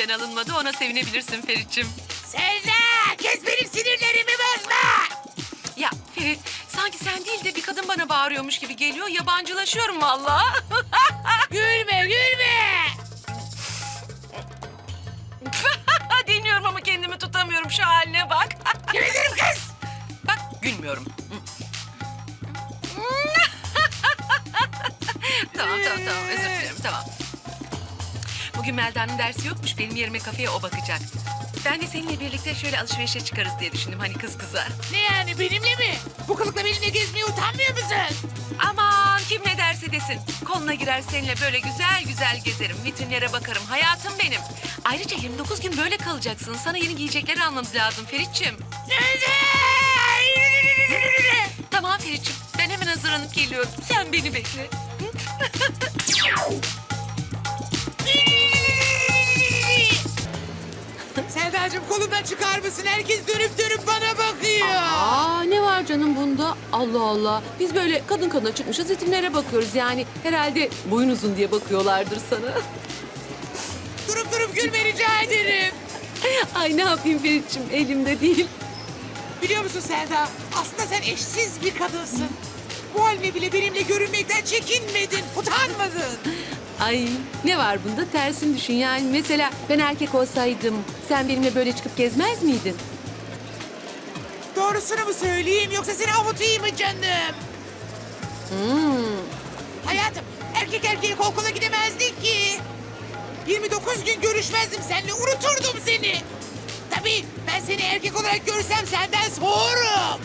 benden alınmadı. Ona sevinebilirsin Ferit'ciğim. Selda! Kes benim sinirlerimi bozma! Ya Ferit, sanki sen değil de bir kadın bana bağırıyormuş gibi geliyor. Yabancılaşıyorum vallahi. Gülme, gülme! Dinliyorum ama kendimi tutamıyorum. Şu haline bak. Gülürüm kız! Bak, gülmüyorum. Tamam, özür dilerim, tamam. Bugün Melda'nın dersi yokmuş, benim yerime kafeye o bakacak. Ben de seninle birlikte şöyle alışverişe çıkarız diye düşündüm, hani kız kıza. Ne yani, benimle mi? Bu kılıkla benimle gezmeye utanmıyor musun? Aman kim ne derse desin. Koluna girer seninle böyle güzel güzel gezerim, vitrinlere bakarım, hayatım benim. Ayrıca 29 gün böyle kalacaksın, sana yeni giyecekleri almamız lazım Ferit'ciğim. Tamam Ferit'ciğim, ben hemen hazırlanıp geliyorum. Sen beni bekle. Selda'cığım kolundan çıkar mısın? Herkes dönüp dönüp bana bakıyor. Aa ne var canım bunda? Allah Allah. Biz böyle kadın kadına çıkmışız, vitrinlere bakıyoruz yani. Herhalde boyun uzun diye bakıyorlardır sana. Durup gülme rica ederim. Ay ne yapayım Ferit'ciğim, elimde değil. Biliyor musun Selda? Aslında sen eşsiz bir kadınsın. Bu haline bile benimle görünmekten çekinmedin, utanmadın. Ay ne var bunda? Tersini düşün yani. Mesela ben erkek olsaydım sen benimle böyle çıkıp gezmez miydin? Doğrusunu mu söyleyeyim yoksa seni avutayım mı canım? Hayatım, erkek erkeğe kol kola gidemezdik ki. 29 gün görüşmezdim seninle, unuturdum seni. Tabii ben seni erkek olarak görsem senden soğurum.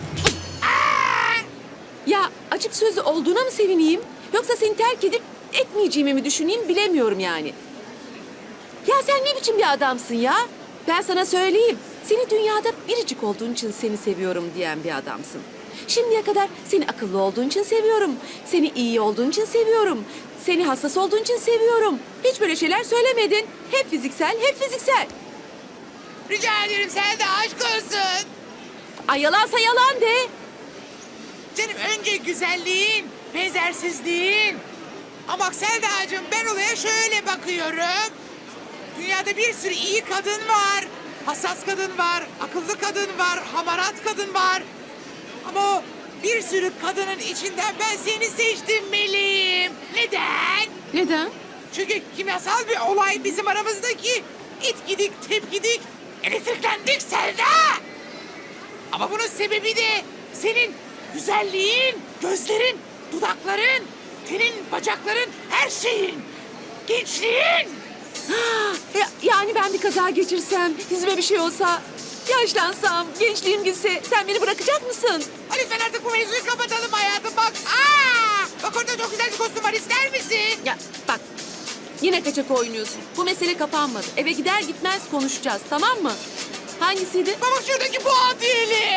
Ya açık sözlü olduğuna mı sevineyim? Yoksa seni terk edip etmeyeceğimi mi düşüneyim bilemiyorum yani. Ya sen ne biçim bir adamsın ya? Ben sana söyleyeyim. Seni dünyada biricik olduğun için seni seviyorum diyen bir adamsın. Şimdiye kadar seni akıllı olduğun için seviyorum. Seni iyi olduğun için seviyorum. Seni hassas olduğun için seviyorum. Hiç böyle şeyler söylemedin. Hep fiziksel, hep fiziksel. Rica ederim Selda, aşk olsun. Ay yalansa yalan de. Canım önce güzelliğin, benzersizliğin. Ama bak Selda'cığım, ben olaya şöyle bakıyorum. Dünyada bir sürü iyi kadın var. Hassas kadın var, akıllı kadın var, hamarat kadın var. Ama o bir sürü kadının içinden ben seni seçtim Melih'im. Neden? Neden? Çünkü kimyasal bir olay bizim aramızdaki. İt gidik, tep gidik, elektriklendik Selda. Ama bunun sebebi de senin güzelliğin, gözlerin, dudakların, tenin, bacakların, her şeyin. Gençliğin. Yani ben bir kaza geçirsem, yüzüme bir şey olsa, yaşlansam, gençliğim gitse sen beni bırakacak mısın? Hadi lütfen artık bu mevzuyu kapatalım hayatım, bak. Bak orada çok güzel bir kostüm var, ister misin? Ya bak, yine kaçak oynuyorsun. Bu mesele kapanmadı. Eve gider gitmez konuşacağız, tamam mı? Hangisiydi? Bak şuradaki bu adiyeli.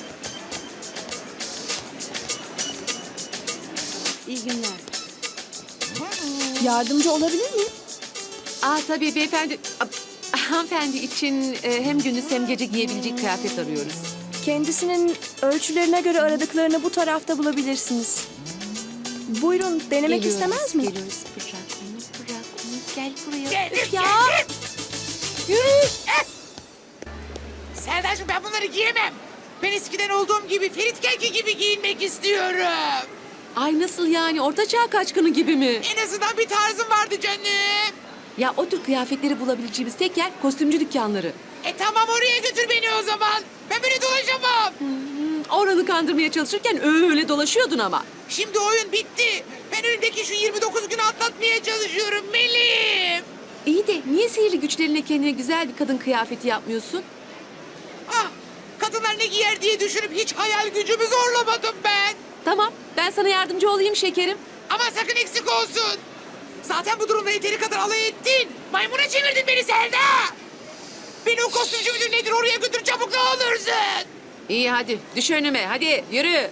İyi günler. Yardımcı olabilir miyim? Tabii beyefendi. Hanımefendi için hem gündüz hem gece giyebilecek kıyafet arıyoruz. Kendisinin ölçülerine göre aradıklarını bu tarafta bulabilirsiniz. Buyurun, denemek istemez mi? Geliyoruz. Bırak onu. Gel buraya. Geldim, Üf ya. geldim. Yürü. Selda'cığım, ben bunları giyemem. Ben eskiden olduğum gibi Ferit Kelki gibi giyinmek istiyorum. Ay nasıl yani? Ortaçağ kaçkını gibi mi? En azından bir tarzım vardı canım. Ya o tür kıyafetleri bulabileceğimiz tek yer kostümcü dükkanları. Tamam, oraya götür beni o zaman. Ben böyle dolaşamam. Oranı kandırmaya çalışırken öyle dolaşıyordun ama. Şimdi oyun bitti. Ben önümdeki şu 29 günü atlatmaya çalışıyorum Melih. İyi de niye sihirli güçlerine kendine güzel bir kadın kıyafeti yapmıyorsun? Kadınlar ne giyer diye düşünüp hiç hayal gücümü zorlamadım ben. Tamam, ben sana yardımcı olayım şekerim. Ama sakın eksik olsun. Zaten bu durumda yeteri kadar alay ettin. Maymuna çevirdin beni Selda. Beni o kostümcü müdür nedir oraya götür çabuk, ne olursun. İyi hadi, düş önüme, hadi yürü.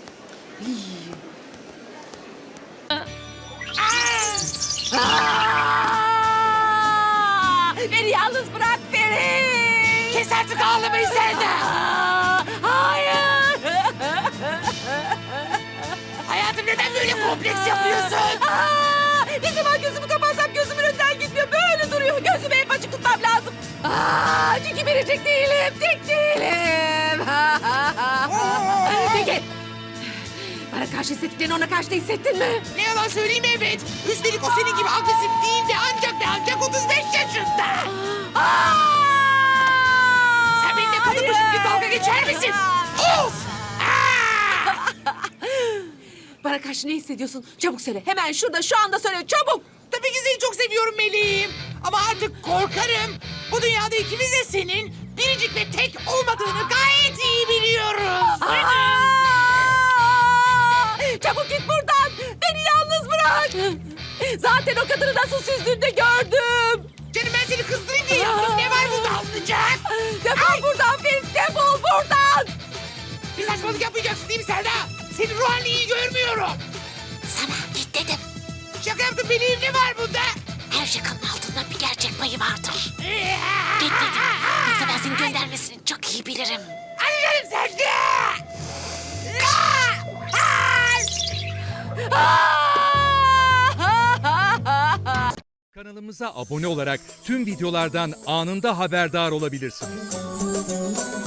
Beni yalnız bırak beni. Kes artık ağlamayı Selda. Hayır. Hayatım, neden böyle kompleks yapıyorsun? Ne zaman gözümü kapatsam gözümün önünden gitmiyor. Böyle duruyor. Gözümü hep açık tutmam lazım Çünkü verecek değilim, tek değilim. Peki. Bana karşı hissettiklerini ona karşı da hissettin mi? Ne yalan söyleyeyim, evet. Üstelik o senin gibi agresif değil de ancak 35 yaşında. Sen benimle kadın başı gibi dalga geçer misin? Of! Bana karşı ne hissediyorsun? Çabuk söyle. Hemen şurada, şu anda söyle. Çabuk. Tabii ki seni çok seviyorum meleğim. Ama artık korkarım. Bu dünyada ikimiz de senin biricik ve tek olmadığını gayet iyi biliyoruz. Çabuk git buradan. Beni yalnız bırak. Zaten o kadını nasıl süzdüğünde gördüm. Canım, ben seni kızdırayım diye yaptım. Ne var bunda alınacak? Defol buradan Ferit, defol buradan. Bir saçmalık yapmayacaksın değil mi Selda? Senin ruh halini iyi görmüyorum. Sana git dedim. Şaka yaptım meleğim, ne var bunda? Her şakanın altında bir gerçek payı vardır. Git dedim. Yoksa ben seni göndermesini çok iyi bilirim. Anlarım Selda! Kanalımıza abone olarak tüm videolardan anında haberdar olabilirsiniz.